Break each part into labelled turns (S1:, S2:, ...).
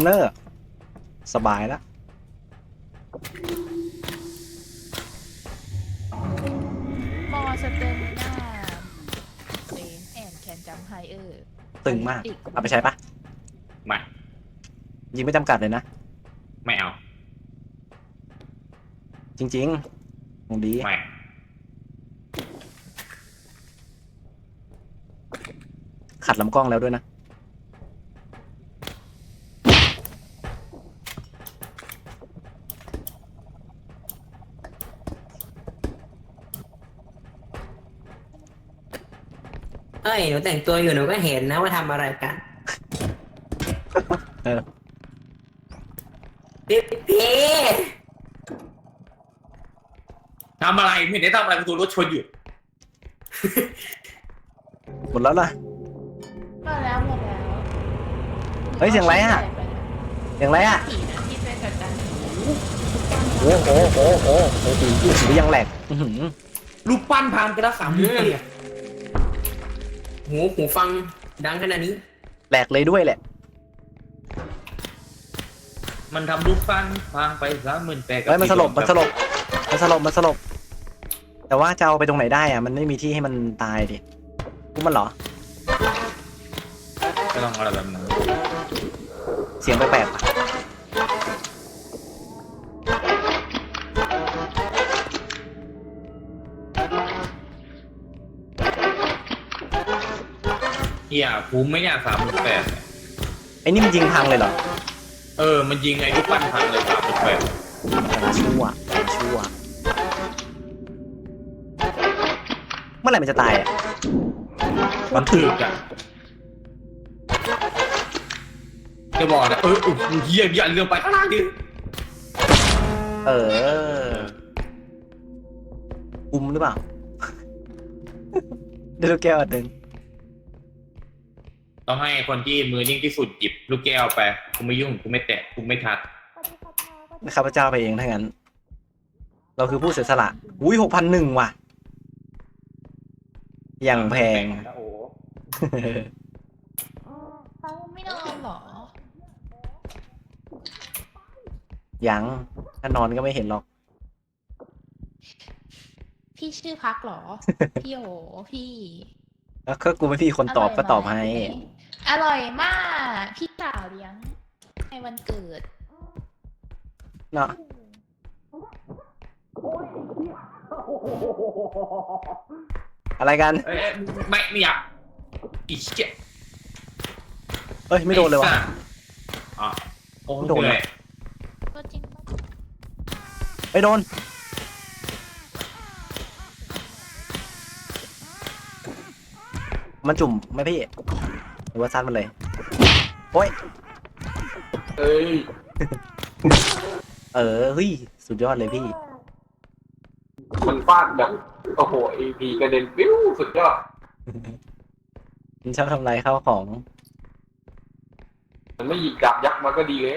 S1: เนอร์สบายแล้ว
S2: มอสเตอร์มิน่าเบนแอนแคนจัมไฮ
S1: ตึงมากเอาไปใช้ปะ
S3: ไม่
S1: ยิงไม่จำกัดเลยนะ
S3: ไม่เอา
S1: จริงๆของดี
S3: ไม่
S1: ขัดลำกล้องแล้วด้วยนะ
S4: เอ้ยหนูแต่งตัวอยู่หนูก็เห็นนะว่าทำอะไรกัน
S1: เออ
S4: พี่
S3: ทำอะไรไม่ได้ทำอะไรประตูรถชนอยู่
S1: หมดแล้วล่ะ
S2: หมดแล้ว
S1: เฮ้ยเสียงอะไรอะ เสียงอะไรอ่ะ
S2: ผีนะที่เป็นแบบนั้น
S1: โอ้โหผียังแหลกอื้อหือ
S3: รูปปั้นพังไปแล้ว3 เดือน
S4: หูฟังดังขนาดนี้
S1: แหลกเลยด้วยแหละ
S3: มันทำรูปปั้นพังไป38,000
S1: เฮ้ยมันสลบ แต่ว่าจะเอาไปตรงไหนได้อ่ะ มันไม่มีที่ให้มันตายดิกูมันเหรอ
S3: ไม่ต้องอะไรแบบนั้น
S1: เสียงแปลกๆปะ
S3: เฮียคุ้มไหมเนี่ย38,000เนี่ย
S1: ไอ้นี่มันยิงพังเลยเหรอ
S3: มันยิงไอ้รูปปั้นพังเลย38,000
S1: ชั่ว เมื่อไหร่มันจะตายอ่ะ
S3: มันถึกอ่ะจะบอกนะเฮียอย่าเรือไปข้างล่างดิ
S1: กุมหรือเปล่า ได้ลูกแก้วอันหนึ่ง
S3: ต้องให้คนที่มือนิ่งที่สุดหยิบลูกแก้วไปกูไม่ยุ่งกูไม่แตะกูไม่ทัด
S1: ข้าพเจ้าไปเองถ้างั้น เราคือผู้เสียสละ อุ้ย6,100ว่ะ อย่างแพง
S3: โอ้
S2: เขาไม่นอนหรอ
S1: ยังถ้านอนก็ไม่เห็นหรอก
S2: พี่ชื่อพักหรอ พี่โอพี่
S1: แล้วก็กูไม่มีคนตอบก็ตอบให้
S2: อร่อยมาก พี่สาวเลี้ยงในวันเกิด
S1: เนาะ อะไรกัน
S3: ไม่อยากอีเจี๊ย
S1: เอ้ย ไม่โดนเลยวะ
S3: อ่ะโอ้
S1: ไม่โดน
S3: เลย
S2: ก็จริง
S1: ไม่โดน มันจุ่มไหมพี่ หรือว่าซัดมันเลย โอ้ย
S3: เอ้ย
S1: เฮ้ย สุดยอดเลยพี่
S5: มันฟาดแบบโอ้โหเอพีกระเด็นปิ้วสุดยอด
S1: มันชอบทำลายข้าวของ
S5: มันไม่หยิบดาบยักษ์มาก็ดีเลย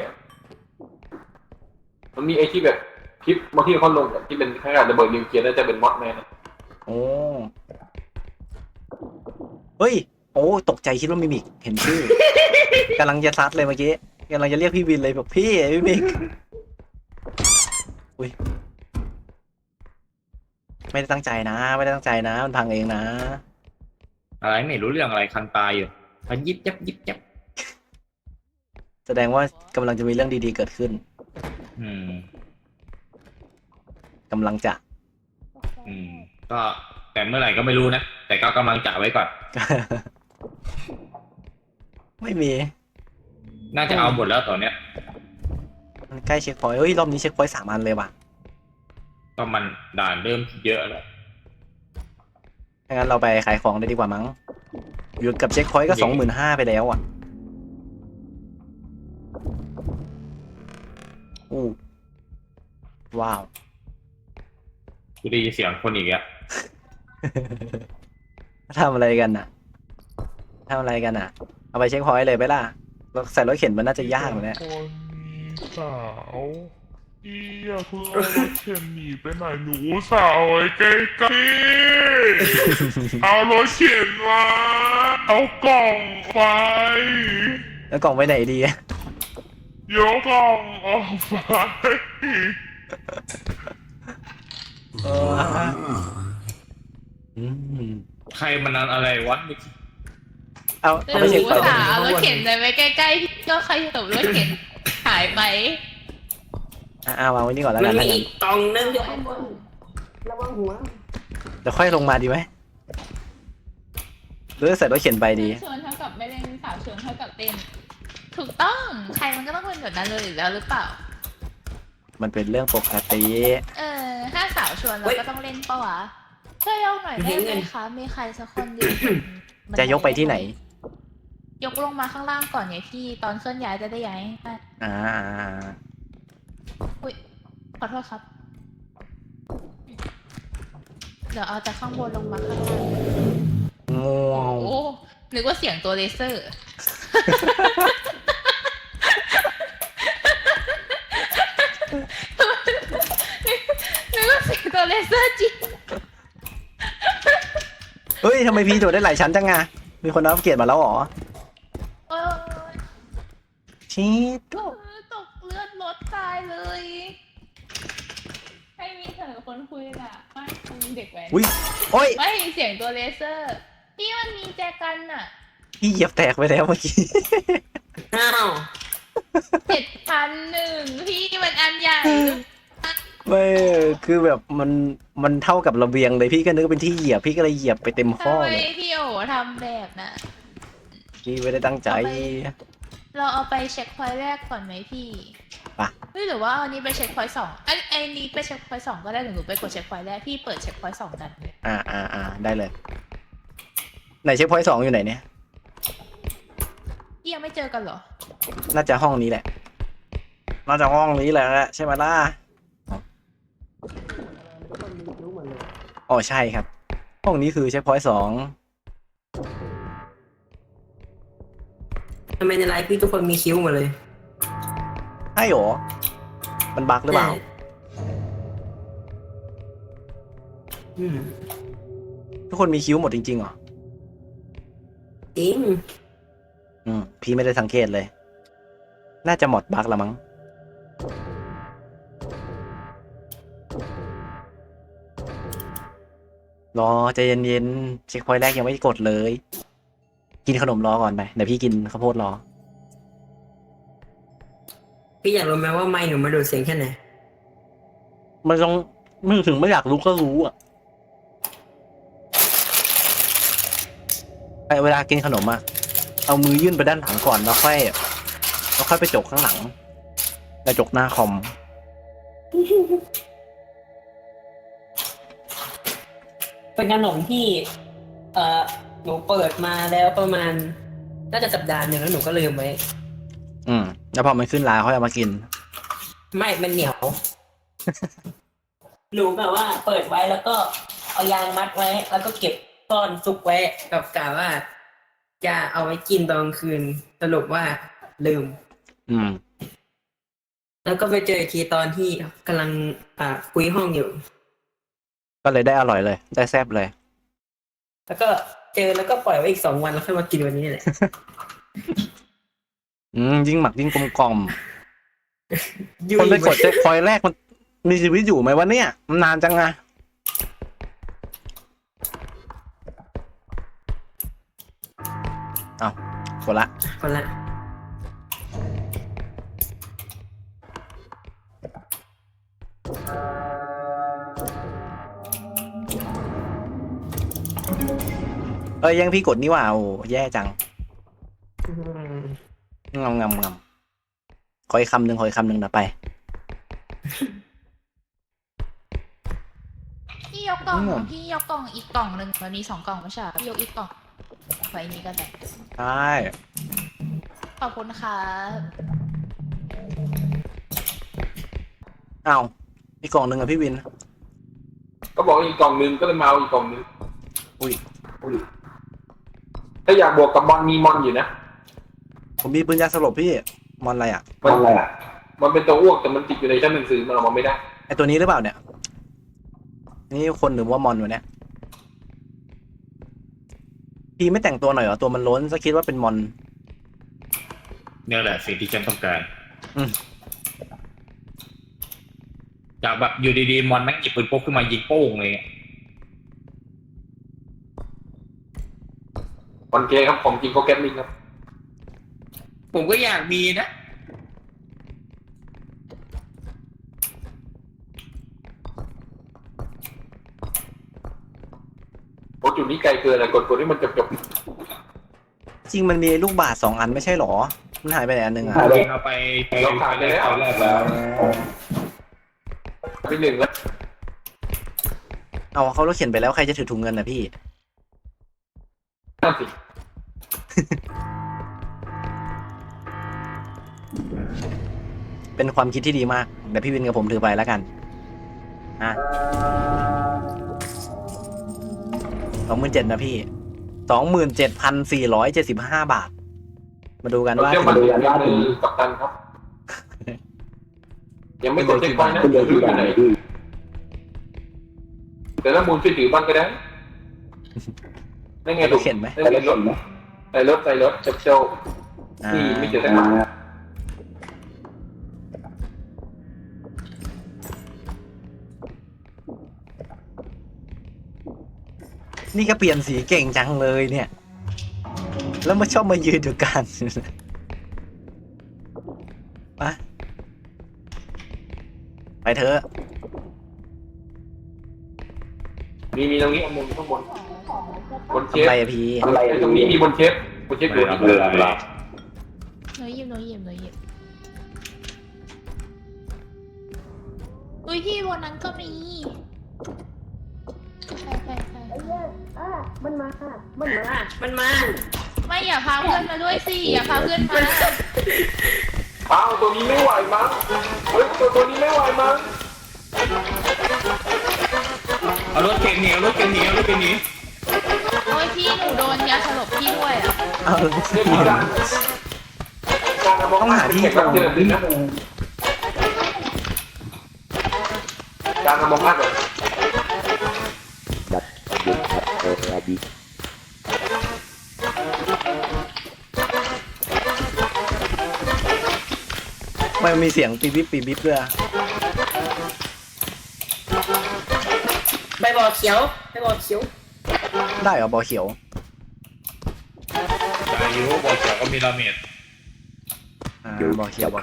S5: มันมีไอ้ที่แบบคลิปบางที่เขาลงแบบที่เป็นขนาดระเบิดนิวเคลียร์น่าจะเป็นมอสแมน
S1: โอ้ เฮ้ย โอ้ ตกใจคิดว่ามิมิก เห็นชื่อ กำลังจะซัดเลยเมื่อกี้กำลังจะเรียกพี่วินเลยบอกพี่มิมิก อุ้ย ไม่ได้ตั้งใจนะ ไม่ได้ตั้งใจนะ มันพังเองนะ
S3: อะไรไม่รู้เรื่องอะไรคันตายอยู่มันยิบยับยิบยับ
S1: แสดงว่ากำลังจะมีเรื่องดีๆเกิดขึ้น
S3: อืม
S1: กำลังจะ
S3: ก็แต่เมื่อไหร่ก็ไม่รู้นะ แต่ก็กำลังจะไว้ก่อน
S1: ไม่มี
S3: น่าจะเอาหมดแล้วตอนเนี้ย
S1: มันใกล้เช็คพอยต์เฮ้ย รอบนี้เช็คพอยต์3 อันเลยว่ะ
S3: ก็มันด่านเริ่มเยอะแล้ว
S1: ถ้างั้นเราไปขายของได้ดีกว่ามั้ง อยู่กับเช็คพอยต์ก็25,000ไปแล้วอ่ะอู้ว้าว
S3: กูได้ยินเสียงคนอีกอ่ะ
S1: ทำอะไรกันอ่ะ เอาไปเช็คพอยต์เลยไปล่ะเราใส่รถเข็นมันน่าจะยากเลยเนี่ย
S6: คนสาวอีอย่าเพิ่งเอารถเข็นหนีไปไหนหนูสาวไว้ใกล้ๆเอารถเข็นมาเอากล่องไป
S1: แล้วกล่องไปไหนดี
S6: ยกกล่องออกไป
S1: อืม
S3: ใครมันอะไรวะ
S1: เอา
S2: แต่
S1: เอาไปเช็ค
S2: รู้
S1: ก่อน
S2: ว่าเอารถเข็นเลยไปใกล้ๆพี่ก็ขยับรถเข็นหายไป
S1: วางไว้นี่ก่อนแล้ว
S4: มั
S1: กัน น
S4: มี
S1: ถ้างั้
S4: อี
S1: น
S4: กกล่องนึงอยู่ข้างบนระวังหัว
S1: เดี๋ยวค่อยลงมาดีไหมหรือใส่รถเข็นไปดี
S2: ชวนเท่ากับไม่เล่นสาวชวนเท่ากับเต้นถูกต้องใครมันก็ต้องเป็นแบบนั้นเลยอยู่แล้วหรือเปล่า
S1: มันเป็นเรื่องปกติ
S2: ถ้าสาวชวนเราก็ต้องเล่นปะวะช่วยยกหน่อยได้ไหมคะมีใครสักคนอยู่
S1: จะยกไปที่ไหน
S2: ยกลงมาข้างล่างก่อนไงพี่ตอนเคลื่อนย้ายจะได้ย้ายง่าย
S1: อ่า
S2: อุ้ยขอโทษครับ เดี๋ยวเอาจากข้างบนลงมาข้างล่าง
S1: ง่วง
S2: โอ้นึกว่าเสียงตัวเลเซอร์ นึกว่าเสียงตัวเลเซอร์จริง
S1: เฮ้ยทำไมพี่โดดได้หลายชั้นจังอะมีคนอัปเกรดมาแล้วเหรอ
S2: โอ้ย
S1: ชีด
S2: ตกเลือดรถตายเลย ให้มีเถอะคนคุยน่ะไม่คุยเด็กแว้น
S1: อุ้ยโอ้ย
S2: ไม่เสียงตัวเลเซอร์ พี่มันมีแจกันน่ะ
S1: พี่เหยียบแตกไปแล้วเมื่อกี้
S4: อ้าว
S2: 7,001พี่มันอันใหญ่
S1: ไม่คือแบบมันเท่ากับระเบียงเลยพี่ก็นึกว่าเป็นที่เหยียบพี่ก็เลยเหยียบไปเต็มข้อ
S2: ทำไม
S1: เลย
S2: พี่โอทำแบบน่ะ
S1: พี่ไม่ได้ตั้งใจ
S2: เราเอาไปเช็คพอยต์แรกก่อนไหมพี่
S1: ไป
S2: เฮ้ยหรือว่าเอาอันนี้ไปเช็คพอยต์สองไอ้นี้ไปเช็คพอยต์สองก็ได้หรือหนูไปกดเช็คพอยต์แรกพี่เปิดเช็คพอยต์สองกัน
S1: ได้เลย ไหนเช็คพอยต์2อยู่ไหนเนี่ย
S2: พี่ยังไม่เจอกันเหรอ
S1: น่าจะห้องนี้แหละ น่าจะห้องนี้แหละใช่ไหมล่ะอ๋อใช่ครับ ห้องนี้คือเช็คพอยต์2
S4: ทำไมในไลฟ์พี่ทุกคนมีคิ้วหมดเลย
S1: ใช่หรอ มันบั๊กหรือเปล่า
S4: อืม
S1: ทุกคนมีคิ้วหมดจริงๆเหรอ
S4: จริง
S1: พี่ไม่ได้สังเกตเลย น่าจะหมดบั๊กละมั้ง รอใจเย็นๆ เช็คพอยต์แรกยังไม่กดเลย กินขนมรอก่อนไป เดี๋ยวพี่กินข้าวโพดรอ
S4: พี่อยากรู้ไหมว่าไมค์หนูมาดูดเสียงแค่ไหน
S1: มันต้องไม่ถึงไม่อยากรู้ก็รู้อ่ะไอเวลากินขนมอ่ะ เอามือยื่นไปด้านหลังก่อนแล้วค่อยไปจกข้างหลังแล้วจกหน้าคอม
S4: เป็นขนมที่ หนูเปิดมาแล้วประมาณน่าจะสัปดาห์หนึ่งแล้วหนูก็ลืมไว้
S1: แล้วพอมันขึ้นลาค่อยเอามากิน
S4: ไม่มันเหนียว หนูแบบว่าเปิดไว้แล้วก็เอายางมัดไว้ แล้วก็เก็บซ่อนซุกไว้กับกะว่า จะเอาไว้กินตอนกลางคืนสรุปว่าลืม
S1: อืม
S4: แล้วก็ไปเจออีกทีตอนที่กำลังคุยห้องอยู่
S1: ก็เลยได้อร่อยเลย ได้แซ่บเลย
S4: แล้วก็เจอแล้วก็ปล่อยไว้อีก2 วันแล้วค่อยมากินวันนี้แหละ
S1: ยิ่งหมักยิ่งกลมกล่อม
S4: ยุ่
S1: คน
S4: ย
S1: ไปกดเช็คพอยต์แรกมันมีชีวิตอยู่ไหมวะเนี่ยมันนานจังอะเอากดละ
S4: คนละ
S1: ยังพี่กดนี่หว่าโอ้แย่จังงำขออีกคำหนึ่งนะไป
S2: พี่ยกกล่องพี่ยกกล่องอีกกล่องหนึ่งมันมี2 กล่องไม่ใช่เหรอพี่ยกอีกกล่องไว้นี้ก็ได้
S1: ใช่
S2: ขอบคุณค่ะ
S1: เอาอีกกล่องหนึ่งอะพี่วิน
S5: ก็บอกอีกกล่องนึงก็เลยมาเอาอีกกล่องนึง
S1: อุ้ย
S5: ถ้าอยากบวกกับบอลมีมอนอยู่นะ
S1: ผมมีปืนยาสลบพี่มอนอะไรอะ
S5: มันเป็นตัวอ้วกแต่มันติดอยู่ในชั้นหนังสือมันออกมาไม่ได้
S1: ไอตัวนี้หรือเปล่าเนี่ยนี่คนหรือว่ามอนวะเนี่ยพี่ไม่แต่งตัวหน่อยเหรอตัวมันล้นซะคิดว่าเป็นมอน
S3: เนี่ยแหละสิ่งที่ฉันต้องการจากแบบอยู่ดีๆมอนแม่งหยิบปืนพกขึ้นมายิงโป้งเลย
S5: วันเกครับของจริงโปรแกรมมิ่งครับ
S4: ผมก็อยากมีนะ
S5: โอ้จุดนี้ไกลเกินเลยกดให้มันจบ
S1: จริงมันมีลูกบาศก์2 อันไม่ใช่หรอ มันหายไปไหนอันหนึ่งอ่ะ
S3: เอาไปเราขาดไปแล้วแรกแล้ว
S5: ไปหนึ่งแล้ว
S1: เอาเขาเขียนไปแล้วใครจะถือถุงเงินนะพี่
S5: นั่นสิ
S1: เป็นความคิดที่ดีมากเดี๋ยวพี่วินกับผมถือไปแล้วกัน27,000นะพี่ 27,475 บาท มาดูกันว่า
S5: เชื่อมันมือกับตันครับ ยังไม่กดเช็คไว้นะถือไปไหนแต่ละมูลช่วยถือบ้างก็ได้ได้ไงถูก
S1: เขียนไหม
S5: ได้ไงรถใส่รถเจ้าที่ไม่เจอสักครั้ง
S1: นี่ก็เปลี่ยนสีเก่งจังเลยเนี่ย แล้วมาชอบมายืนอยู่กัน ไปเถอะ
S5: มีตรงนี้อันนึงข้างบนบนเช
S1: ทำ
S5: ฟ
S1: ไรอะพี่
S5: ตรงนี้มีบนเชฟอยู่ที่เรือ
S2: หนูหยิบอุ้ยพี่บนนั้นก็มีใช่
S4: มันมา
S2: ไม่อย่าพาเพื่อนมาด้วยสิอย่าพาเพื่อนมา
S5: อ้าวตัวนี้ไม่ไหวมั้งเฮ้ยตัวนี้ไม่ไหวมั้ง
S3: เอารถเข็นหนีเอารถเข็นหนี
S2: โอ้ยพี่หนูโดนยาสลบพี่ด้วยอ่ะ
S1: เอา
S5: เรื่องนี้การต้องหาที่แข่งรับเชิญด้วยนะการมองภาพแบบ
S1: มันมีเสียงปีบิบด้วยอะ
S4: ใบบอกเขียว
S1: ได้เหรอบอเขียว
S3: อายุบอกเขียวก็มีดาเมจ
S1: บอเขียว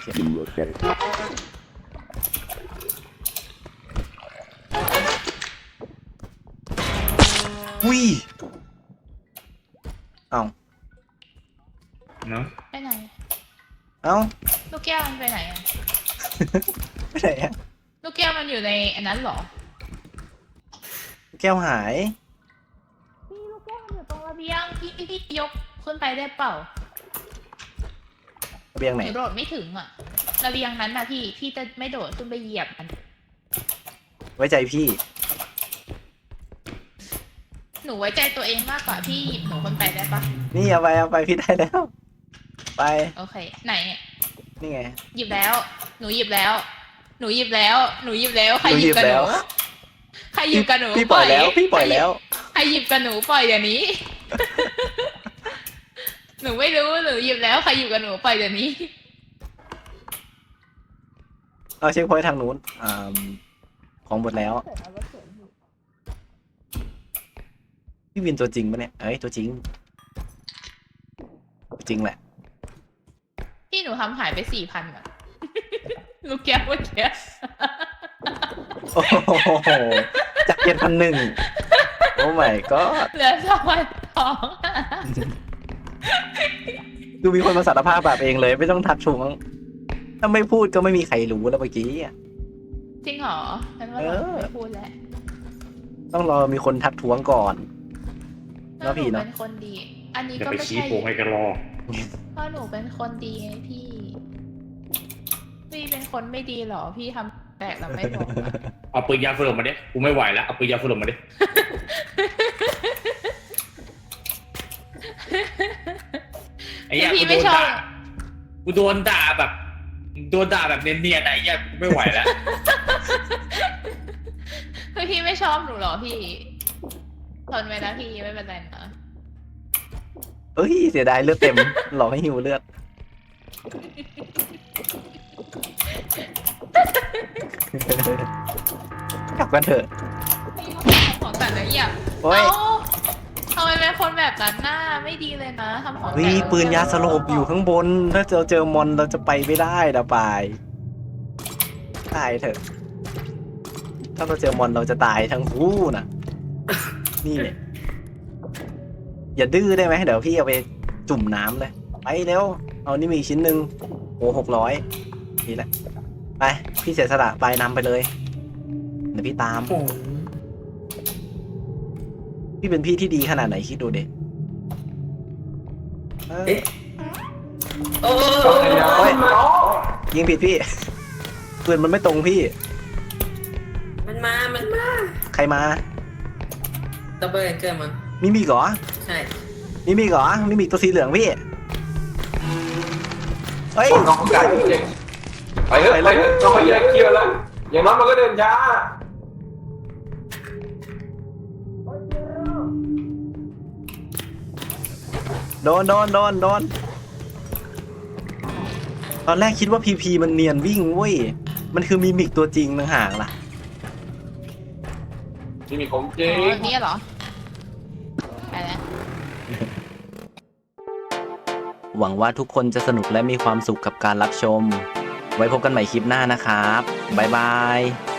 S1: อุ้ยเอ้า
S3: เนาะ
S2: ไปไหน
S1: เอ้า
S2: ลูกแก้วมันไปไหนอ่ะ
S1: ไปไหนอะ
S2: ลูกแก้วมันอยู่ในอันนั้นเหรอ
S1: แก้วหาย
S2: พี่ลูกแก้วมันอยู่ตรงระเบียงพี่ยกขึ้นไปได้เปล่า
S1: ระเบียง
S2: ห
S1: ไหน
S2: นูโดดไม่ถึงอ่ะระเบียงนั้นนะพี่จะไม่โดดขึ้นไปเหยียบมัน
S1: ไว้ใจพี่
S2: หนูไว้ใจตัวเองมากกว่าพี่หยิบหนูขึ้นไปได้ปะ
S1: นี่เอาไปพี่ได้แล้ว ไป
S2: โอเคไหน
S1: นี่ไง
S2: หยิบแล้ว หนูหยิบแล้ว ใครหยิบกับหนูใครหยิบกับหนู
S1: พี่ปล่อยแล้วพี่ปล่อยแล้ว
S2: ใครหยิบกับหนูปล่อยเดี๋ยวนี้ หนูไม่รู้หนูหยิบแล้วใครหยิบกับหนูปล่อยเดี๋ยวนี้
S1: เอาเช็คพอยต์ทางนู้นของหมดแล้ว พี่วินตัวจริงปะเนี่ย เอ้ยตัวจริงแหละ
S2: พี่หนูทำหายไป 4,000 อ่ะ ลูกแก้วเมื่อกี้
S1: โอ้โหจาก7,100โอ้ my god
S2: เหลือ2,200
S1: ดูมีคนมาสารภาพแบบเองเลยไม่ต้องทักท้วงถ้าไม่พูดก็ไม่มีใครรู้แล้วเมื่อกี้อะ
S2: จริงเหรอฉันว่าเราไม่พูดแล้ว
S1: ต้องรอมีคนทักท้วงก่อน แล้วพี่
S2: หนู
S1: เนอะ
S2: เป็นคนดี อันนี้
S3: อย่า
S2: ก็
S3: ไป
S2: ไม่
S3: ชี้
S2: ใช่
S3: โพงให้กันรอ
S2: เพราะหนูเป็นคนดีไงพี่เป็นคนไม่ดีเหรอพี่ทำแตกแล้วไม่บอกอะ
S3: เอาปืนยาสลบมาดิกูไม่ไหวแล้วเอาปืนยาสลบมาดิ ไอ้เหี้ย
S2: พี่ไม่ชอบ
S3: กูโดนด่าแบบเนียนๆไอ้เหี้ยกูไม่ไหวแล้ว
S2: พี่ไม่ชอบหนูเหรอพี่ทนไว้นะพี่ไม่เป็นไรนะ
S1: เอ้ยเสียดายเลือดเต็ม หลอกให้หิวเลือดกลับกันเถอะ
S2: ของแต่ละอย่าง
S1: โอ้ย
S2: เอ้าทำไมเป็นคนแบบนั้นน่ะไม่ดีเลยนะทำของ
S1: เฮ้ยปืนยาสลบอยู่ข้างบน ถ้าเจอมอนเราจะไปไม่ได้นะปายตายเถอะ ถ้าเราเจอมอนเราจะตายทั้งคู่นะนี่เนี่ยอย่าดื้อได้ไหมเดี๋ยวพี่เอาไปจุ่มน้ำเลย ไปเร็ว เอานี่มีอีกชิ้นหนึ่งโอ้600นี่แหละ ไป พี่เสียสละไปนำไปเลย เดี๋ยวพี่ตาม
S4: โอ้โห
S1: พี่เป็นพี่ที่ดีขนาดไหนคิดดูเด็
S4: โอ้
S1: โอ้ยยิงผิดพี่ปืนมันไม่ตรงพี่
S4: มันมา
S1: ใครมา
S4: ดับเบิลเกินมัน
S1: มิมิกเหรอ
S4: ใช่
S1: มิมิกเหรอมิมิกตัวสีเหลืองพี่ เฮ้ย
S5: คนเขาประกาศเจ๋งไปเถอะไปเถอะต้องไปแยกเคลียร์แล้วอย่างน้อยมันก็เดินช้า
S1: โดน ตอนแรกคิดว่าพีพีมันเนียนวิ่งเว้ย มันคือมิมิกตัวจริงต่างหากล่ะ
S5: ที่มีของจริ
S2: อ๋อง นี่เหรอไปแล้ว
S1: หวังว่าทุกคนจะสนุกและมีความสุขกับการรับชม ไว้พบกันใหม่คลิปหน้านะครับ บ๊ายบาย